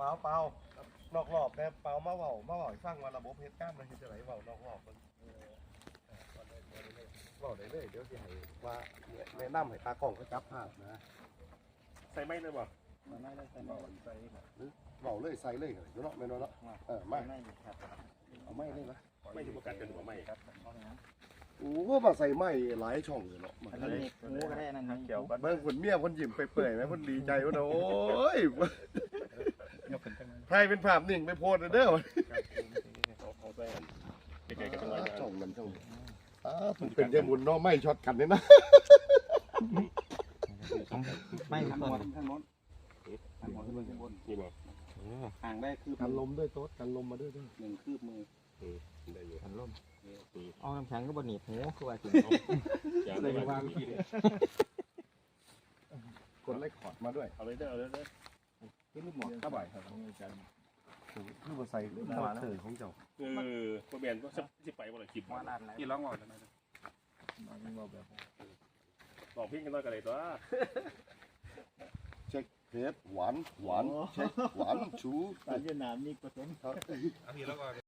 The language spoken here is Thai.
เปล่านอกรอบแต่เปล่ามาเว้าให้ฟังว่าระบบเฮ็ดการมันเฮ็ดจังไดเว้านอกรอบมันเว้าได้เลยเดี๋ยวสิให้ว่าแนะนำให้ตากล้องเขาจับภาพนะใส่ไม้เลยบ่ใส่ไม้เลยใส่เว้าเลยใส่เลยเนาะแม่นบ่เนาะมาเอาไม้เลยนะไม่ถูกประกันกันหัวไม้ครับโอ้มาใส่ไม้หลายช่องเลยเนาะอันนี้งูก็ได้นั่นเกี่ยวกันเบิ่งคนเมียคนยิ้มเปื่อยๆไหมคนดีใจว่าโอ้ยใครเป็นภาพนิ่งไปโพสเด้อเอาไปเก๋ๆกันจังหวะช่องมันช่องมันเป็นเยบุญเนาะไม่ช็อตกันเลยนะไม่ทางโน้นนี่บ่ห่างได้คือกันลมด้วยโต๊ดกันลมมาด้วย 1 คืบมือได้อยู่กันลมเอาน้ำแข็งก็บนหนีบหูคือว่าจริงเลย วางกดไลค์คอร์ดมาด้วยเอาเลยเด้อนี่ลูกหมอกข้าบ่ายครับคือมาใส่ข้าวเตยของเจ้าพ่อแม่ก็สิไปบ่ล่ะคลิปกี่ร้องบอกเลยนะบอกพี่กันน้อยกันเลยตัวเช็คเพจหวานเช็คหวานชูเวียดนามนี่ผสมครับพี่แล้วก็